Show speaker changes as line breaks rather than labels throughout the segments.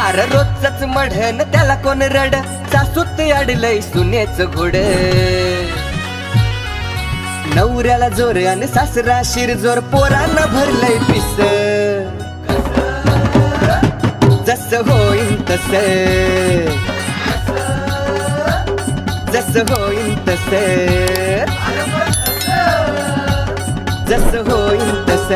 अरे रोजच मढन त्याला कोण रड सासूत अडलय सुनेच घोड नवऱ्याला जोर आणि सासरा शिरजोर पोरांना भरलंय पिस जस होईन तस जस होईन तस जस होईन तस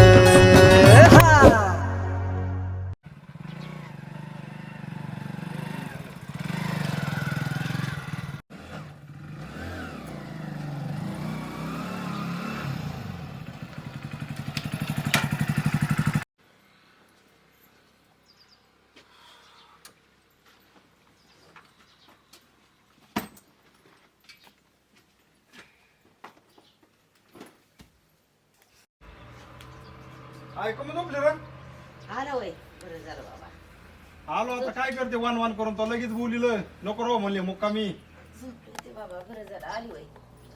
ऐकू मग झोपले रे
आला होय बरं झालं बाबा
आलो आता काय करते वन वन करून तो लगेच बोलिलं नको रो म्हणले मुक्कामी
झोपले ते बाबा बरं झालं आली होय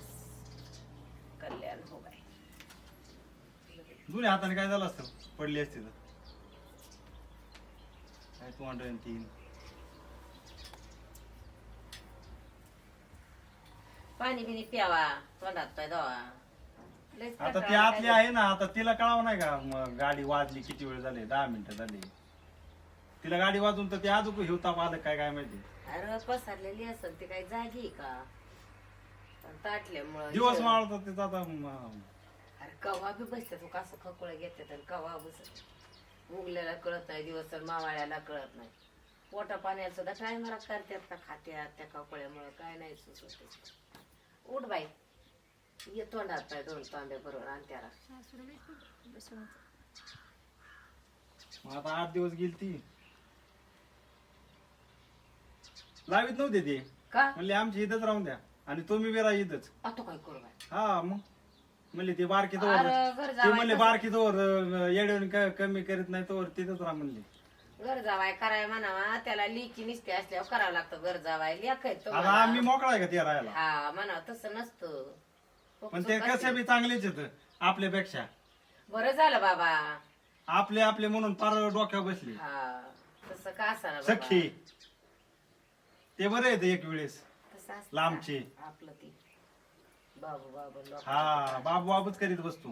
कल्याण हो बाय
जुन्या हाताने काय झालं असतं पडली असती तर काय 203
पाणी बिनी प्यावा तोंडात पाय धुवा. लयच
आता ती
कंटाळा
आतली
आलाय.
आहे ना आता तिला कळावं नाही का मग गाडी वाजली किती वेळ झाले 10 मिनिटं झाली तिला गाडी वाजून तर ते अजून हिवताप आलं काय काय माहिती
अरे पसरलेली असेल ती काही जागी आहे का पण ताटल्यामुळं
दिवस माळतात तिचा आता
अरे कवा बी बसते तू कसं खकुळ घेते तर कवा बसत उगल्याला कळत नाही दिवस तर मावाळ्याला कळत नाही पोटा पाण्याला सुद्धा टायमाला करतात का खात्यात त्या कपड्यामुळे काय नाही सुचत उठ बाई ये तोंडात पाय 2 तांबे बरोबर आणि त्याला
मग आता 8 दिवस गेली ती लावीत नव्हते ते
का
म्हणले आमची इथंच राहून द्या आणि तुम्ही बी राहा इथंच
आता काय करू बाई
हा मग म्हणले ते बारकी
अरे,
तोवर
घर
ते
जावाय
म्हणले
कसं-
बारकी तोवर येडवून कमी करीत नाही तोवर तिथंच राहा म्हणले
घर जावाय कराय म्हणावा त्याला लिकी निसते असल्यावर करावं लागतं घर जावाय लेखायचं
आता आम्ही मोकळा आहे का ते राहायला
हा म्हणा तसं नसतं
पण ते कसे बी चांगलेच आहेत आपल्यापेक्षा
बरं झालं बाबा
आपले आपले म्हणून पार डोक्यावर बसले
हा तसं का असं
सखी ते बरे आहेत एक वेळेस
तसं असतं
लांबचे
का? आपलं ती बाबू बाबू लोक
हा बाबू बाबूच करीत बसतो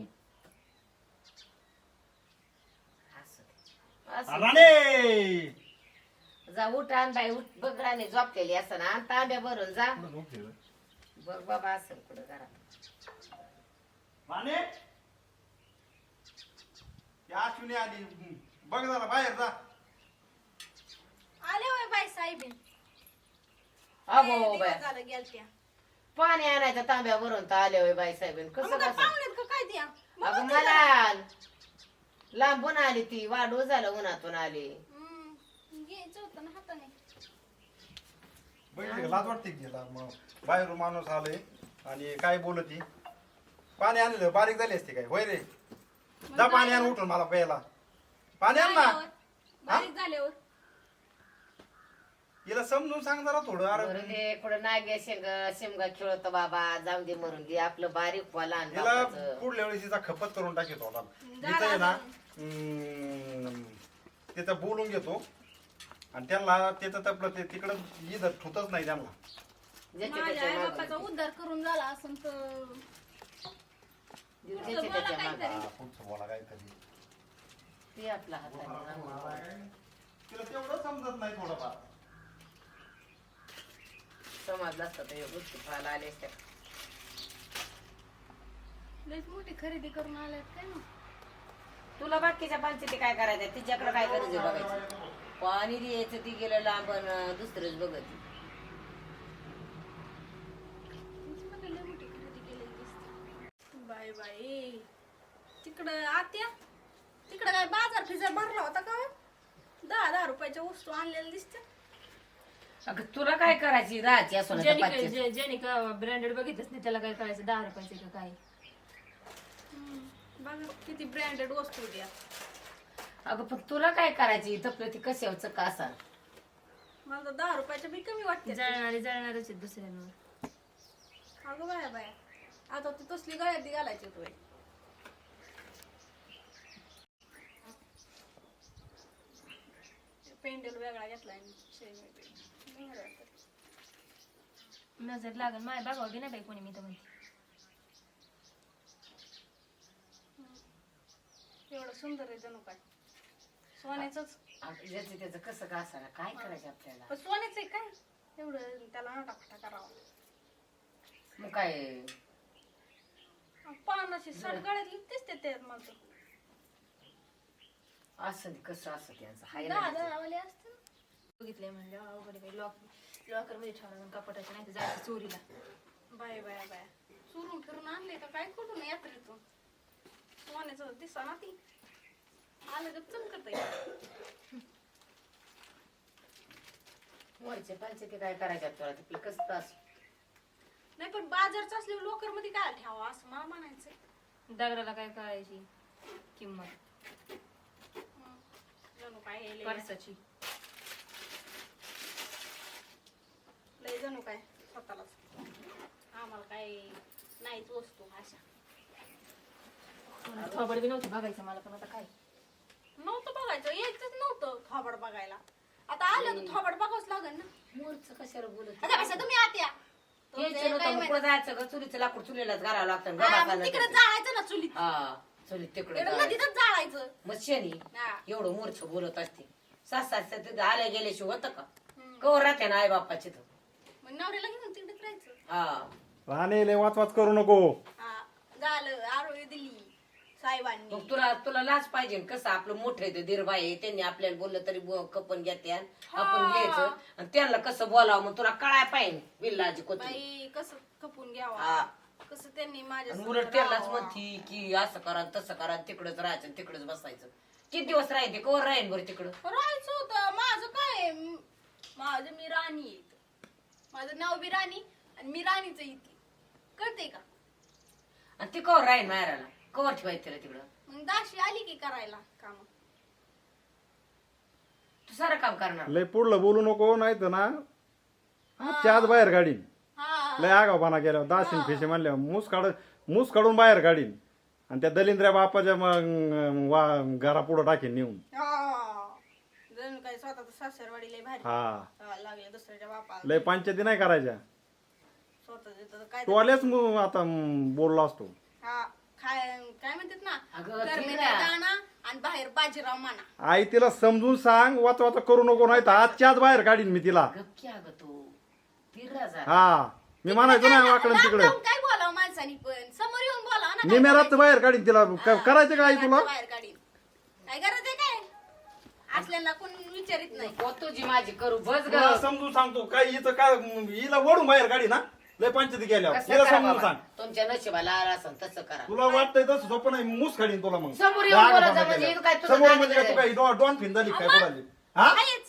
राणे
जा उठ आण बाई उठ बघ राणे झोपलेली असं ना तांब्या भरून जा बघ बाबा असेल कुठं घरात
राणे या अश्विनी आली बघ जरा बाहेर जा
आले होय बाई साहेबीन
अगो बाय
झालं गेलत्या
पाणी आणायचं तांब्या भरून तर आले होय बाई साहेब कसं
मग काय
कसं
पाहुण्यात का काय द्या
अगं मला लांबून आली ती वाढू झालं उन्हातून आली
घ्यायचं होतं ना हाताने
बघितलं का? लाज वाटते की तिला मग बाहेरून माणूस आले आणि काय बोलती पाणी आणलं बारीक झाली असते काय होय रे जा पाणी आण उठून मला प्यायला पाणी आण ना
झाल्यावर, बारीक झाल्यावर
हिला समजून सांग जरा थोडं
बरं
अरे
दे कुठं नागे शेमगा खेळतो बाबा जाऊन दे मरून दे आपलं बारीक व्हायला आणि
हिला
बापाचं.
पुढल्या वेळेस तिचा खपत करून टाकेतो होता तिथं आहे ना तिथं बोलून घेतो आणि त्यांना तिथं तपलं ते तिकडं इथं ठुतच नाही त्यांना
ज्याच्या
माझ्या
त्याच्या
आई
मागं
बापाचा
देते.
उद्धार करून झाला असं तर
ज्याच्या त्याच्या मागं.
हा, पुढचं बोला काहीतरी
ते आपला हाताने
तिला तेवढं समजत नाही थोडंफार
समजलं असतं तर या गोष्टी पाहायला आले असत्या
लयच मोठी खरेदी करून आल्यात काय ना
तुला बाकीच्या पंचायती काय करायचं तिच्याकडे काय गरज आहे बघायची पाणी द्यायचं ती गेलं लांबन दुसरंच बघत
तुमच्यामध्ये लय मोठी खरेदी केलेली दिसते बाय बाय तिकडं आत्या तिकडं काय बाजार फिजार भरला होता का 10,000 रुपयाच्या वस्तू आणलेल्या दिसत्या
अगं तुला काय करायची राहायची असं
ज्याने का ब्रँडेड बघितलंच नाही त्याला काय करायचं 10 रुपयाचे का काय
बघा किती ब्रँडेड वस्तू द्या
अगं पण तुला काय करायची तपलं ती कशावचं का असा
मला तर 10 रुपयाच्या बी कमी वाटते
जळणारच आहेत दुसऱ्यांवर
अगं बाया बाया आता ती तसली गळ्यात घालायची होती सॅन्डल वेगळा घेतलाय आणि शेण वेगळी. बरं वाटतं.
नजर लागन माझ्या बघावं बी नाही बाई कोणी मी तर म्हणते.
एवढं सुंदर आहे जणू काय सोन्याचंच.
ज्याचं त्याचं कसं का असायला काय करायचं आपल्याला.
पण सोन्याचं आहे काय एवढं त्याला नटाफटा करावं.
मग काय
पानाची सडगळ्यातली दिसते त्यात मला तर.
असं कसं असं त्यांचं हाय
दहा
ना.
दहावाले असते ना.
बघितलंय म्हणलं अवघड आहे लॉकर मध्ये ठेवलं कपाटाचं नाही तर जायचं चोरीला.
बाय बाय बाय चुरून फिरून आणले का काय कुठून यात्रेतून. सोन्याचं दिसा ना ती आलं का चमकत आहे.
वरचे पालचे ते काय करायचे तुला तिथलं कसं त्रास.
नाही पण बाजारचं असल्यावर लोकर मध्ये काय ठेवा असं मला म्हणायचं.
दगडाला काय करायची किंमत
जणू काय हे लय
पर्साची.
लय जणू काय स्वतःलाच आम्हाला काय नाहीच वस्तू अशा.
थोबड बी नव्हती बघायचं मला पण आता काय.
नव्हतं बघायचं यायचंच नव्हतं थोबड बघायला. आता आलं तर थोबड बघावंच लागेल ना.
मोरचं कशाला बोलत
आता कसं तुम्ही आत्या
यायचं नव्हतं मग पुढं जायचं का चुलीचं लाकूड चुलीलाच घालावं लागतं
तिकडे जाळायचं ना चुलीत.
हा चुलीत तिकडे
इकडं नदीतच जाळायचं.
मग शनी
हा.
एवढं मूर्छ बोलत असते. सात आल्या गेल्याशिवाय होतं का कवर राहते ना आई बाप्पाची तर.
मग नवऱ्याला घेऊन तिकडेच राहायचं.
हा
राणे लय वाच करू नको.
हा झालं आरोग्य दिली साहेबांनी.
मग तुला लाज पाहिजे कसं आपलं मोठं आहे दीरबाई आहे त्यांनी आपल्याला बोललं तरी कपन घेते आपण घ्यायचं आणि त्यांना कसं बोलावं मग तुला कळाय पाहिजे बिल्लाजी कोणती.
बाई कसं खपून घ्यावा
हा.
कसं त्यांनी माझ्या
उलट त्यालाच म्हणती की असं करा तसं करा तिकडच राहायचं तिकडच बसायचं. किती दिवस राहते कवर राहीन बरं तिकडं.
राहायचं होतं माझं काय माझं मी राणी आहे. माझं नाव बी राणी आणि मी राणीच इथे कळते का.
आणि ती कवर राहीन माहेराला कवर ठेवायचं तिला तिकडं.
मग दाशी आली की करायला काम.
तू सारं काम करणार.
लय पुढलं बोलू नको नाही तर ना आजच्या आज बाहेर काढीन.
हा
लय आगावपणा केल्यावर दाशीन फिशे म्हणल्यावर मूस काढून बाहेर काढीन आणि त्या दलिंद्र्या बापाच्या घरा पुढं टाकीन नेऊन.
जणू काय स्वतःच सासरवाडी लय भारी.
हा
लागले दुसऱ्याच्या बापाला
लय पंचायती नाही करायच्या.
स्वतःच काय
तू आलेच आता बोलला असतो.
हा काय म्हणतात ना
अगं,
गरमीला
ठीक आहे.
दाणा आणि बाहेर बाजीराव माना.
आई तिला समजून सांग वाचा करू नको नाही तर आजच्या आज बाहेर काढीन मी तिला.
गप्की अगं तू फिरला जा.
हा मी म्हणायचो ना वाकडं
लांब
तिकडे
जाऊन काय बोलावं माणसानी पण समोर येऊन बोलावं ना. काय
निमेरात बाहेर काढीन तिला करायचं काय तुला.
बाहेर काढीन काय गरज आहे काय असल्याला कोण विचारित नाही.
तुझी माझी करू बस ग.
तुला समजून सांगतो काय हिचं काय हिला वडून बाहेर काढी ना लय पंचायती गेल्यावर
कसं
हिला
करा
समजून
बाबा?
सांग.
तुमच्या नशिबाला आला असेल तसं करा.
तुला वाटतंय तसं सोपं नाही मूस काढीन तुला मग.
समोर येऊन
राग
बोलायचं
बाबा
म्हणजे
केल्यावर.
काय तुझं
समोर
नाक
म्हणजे काय तू
आहे?
काय डॉन फिन झाली काय कोणाली हा
आहेच.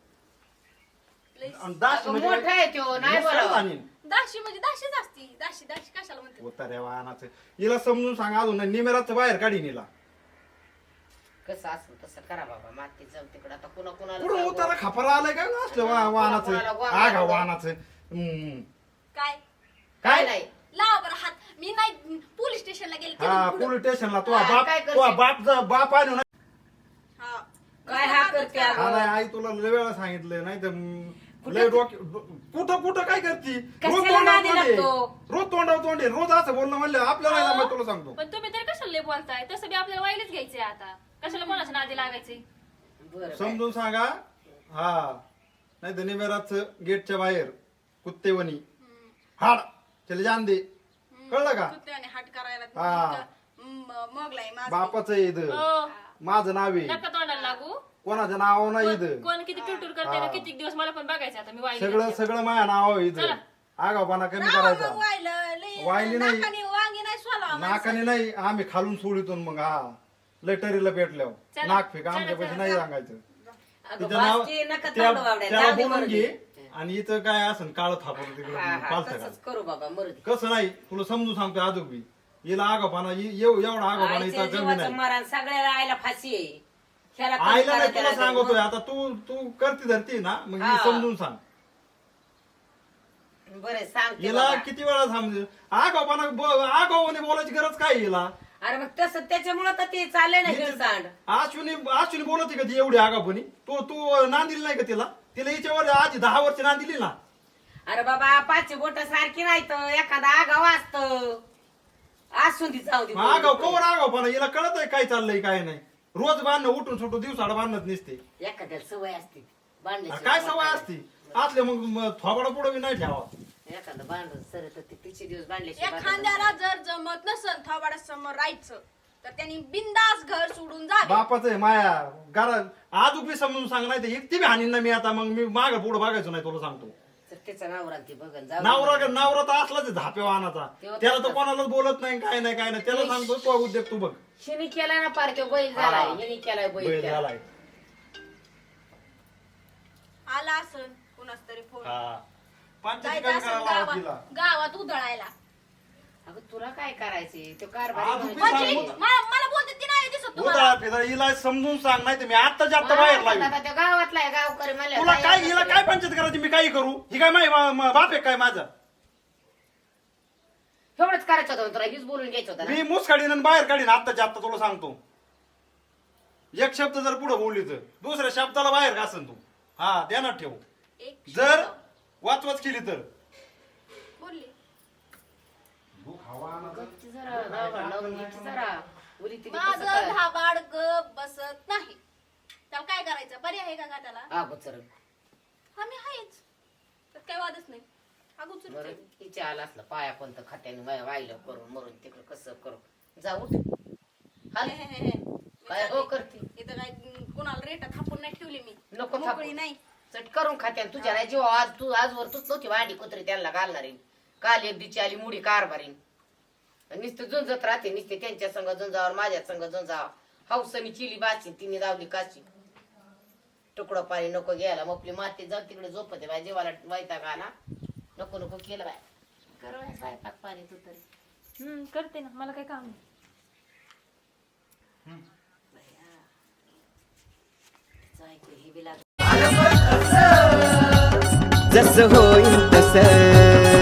आणि दाशी
अगं,
म्हणजे
मोठा आहे तो नाही
मूस काढून
बोलावं.
आणीन.
दाशी म्हणजे दाशीच असती. दाशी दाशी कशाला म्हणते.
उतार्या वाहनाचं हिला समजून सांग अजून निमेराचं बाहेर काढीन हिला.
कसं असं तसं करा बाबा माती जाऊ तिकडं आता कुणा
पुढं
कुणाला
उतारा खपारा आलाय काय असलं वाहनाचं
कोणाला
आगा वाहनाचं.
काय
काय नाही.
लावा बरं हात. मी नाही पोलीस स्टेशनला गेले
हा
तिथून पुढं.
पोलीस स्टेशनला
हा, काय करशील?
बाप आणू ना.
हा.
काय हा करते
हा
अगं?
नाही आई तुला लय वेळा सांगितलं नाही तर लय कुठं काय करती रोज
कशाला नादी
तोंडावर तोंडे
लागतो?
रोज तोंडावर तोंडे रोज असं बोलणं म्हणलं आपल्याला नाही जमत, तुला सांगतो.
पण तुम्ही तरी कशाला लय बोलताय तसं बी आपल्याला वाईलच घ्यायचंय आता. कशाला कोणाच्या नादी लागायचे.
बरं बाई.
समजून सांगा. हा नाही तर निमेराच गेटच्या बाहेर कुत्तेवणी हाड चले जान दे कळलं का.
कुत्र्याने हाट करायला
हा.
मगलाय माझं.
बापाचं इथं
हो,
माझं नाव आहे
नका तोंडाला लागू.
कोणाचं नाव नाही इथं.
कोण किती टुटूर करते ना
हा.
किती दिवस मला पण बघायचं आता मी
सगळं
वाईली
सगळं माझ्या नाव आहे इथं.
चला.
आगावपणा कमी
राव
करायचा.
मग वाहिलं, लय
वाहिली नाही.
नाकाने वांगी नाही सोलावं
नाकाने नाही आम्ही खालून सोडितून मग हा लटरीला भेटल्यावर
चला.
नाक फेक
चला,
आमच्या पैसे
चला,
नाही
चला.
सांगायचं.
अगं,
तिचं नाव
बासकी नका
त्या-
तोंड वावड्या.
त्याला
जाऊ दे
बोलून
मरू
घे
दे.
आणि इथं काय असं काळ थापड तिकडे
हा, हा,
पालथं
तसंच करू बाबा मरू दे.
कसं नाही तुला समजून सांगतो आजोग बी हिला आगापाना एवढा आगापाना
आईच्या
इथं कमी
जीवाचं
नाही.
मरण सगळ्याला आईला फाशी आहे. ह्याला कमी
आईला
करा,
नाही तुला
त्याला
सांगतोय
कमी.
आता तू करती धरती ना मग ही
हा.
समजून सांग.
बरं सांगते
हिला
बाबा.
किती वेळा समज आगापाना आगावाने बोलायची गरज काय हिला
अरे मग तसं त्याच्यामुळं तर ते चाललंय ना गिळसांड.
अश्विनी बोलत का ती एवढी आगापणी? तू नांदिली नाही का तिला हिच्यावर आधी 10 वर्ष नांदिली ना.
अरे बाबा 5 बोट सारखी नाही तर एखादा आगाव असत असून ती जाऊ दे.
आगाव कवर आगाव पण हिला कळत आहे काय चाललंय काय नाही. रोज बांधणं उठून सुटून दिवसाड बांधत नसते.
एखाद्याला सवय असते बांधण्याची.
काय सवय असती आतले मग थोबाडा पुढे नाही ठेवा.
एखादं बांधून सर तर ते तिचे दिवस बांधल्याशिवाय
एखाद्याला जर जमत नसल थोबाडा समोर राहायचं तर त्यांनी बिंदास घर सोडून जावे.
बापाच आहे माया घरात आज बी समजून सांग नाही तर एकटी बी हाणीन ना मी आता. मग मी माग पुढे बघायचो नाही तुला सांगतो.
तर त्याचा नवरा ते बघन जाऊ दे.
नवरा तर असलाच झापे वाहनाचा. त्याला तर कोणालाच बोलत नाही काय नाही त्याला सांगतो तो उद्योग तू बघ.
शिनी केलाय ना पार तो बैल झालाय. हिने केलाय बैल
बैल
केलाय.
झालाय.
आला असन कुणाच तरी फोन
हा. पंचायती
जायचं
काय
असन
करायला लावत तिला?
गावात उधळायला.
अगं तुला काय करायचे तो कारभार
आज
म्हणजे-
तुम्ही
म्हणजे
सांगू-
मला बोलते ती नाही दिसत तुम्हाला.
उदा फिरा हिला समजून सांग नाही तर मी आता जास्त बाहेर लावी.
आता त्या गावातला आहे गावकरी म्हणल्यावर
तुला काय
काय
हिला काय पंचायत करायची मी काही करू? ही काय माही बाप आहे काय माझा?
एवढंच करायचं होतं तुला हीच बोलून घ्यायचं होतं ना.
मी मुस काढीन आणि बाहेर काढीन आत्ताच्या आत्ता तुला सांगतो. एक शब्द जर पुढे बोलली तर दुसऱ्या शब्दाला बाहेर घासन तू. हा ध्यानात ठेव.
एक
जर
शब्द
वाचवाच केली तर
बोलली.
गपची जरा, गावाला लावून घ्यायची जरा. उली तिली कसं
माझं
काय?
धाबाड गप बसत नाही. त्याला काय करायचं? पर्याय आहे का त्याला?
अगोचर
आम्ही आहेच तर काही वादच नाही. अगोचर
बरं तिच्या आला असलं पाया पण तर खात्याने वाहिलं करून मरून तिकडं कसं करू जाऊ हाल काय हो करते
इथं काय कुणाला रेटा थापून नाही ठेवली मी.
नको
मोकळी
थापू.
नाही.
चट करून खात्यान तुझ्या नाही जीव आज तू आजवर तूच नव्हती वांडी कुत्री त्यांना घालणारी. काल एक दिची आली मुडी कारभारी नुसतं झुंजत राहते नुसते त्यांच्या संग झुंजावर माझ्या संग झुंजावर. हौसनी चिली बाची तिने दावली काची. तुकडं पाणी नको घ्यायला मपली माती जाऊ तिकडे झोपते बाय जीवाला वैताग आला. नको नको केलं बाय कर बाय स्वयंपाक पाणी तू तरी.
करते ना मला काय काम नाही.
जसं होईल तसं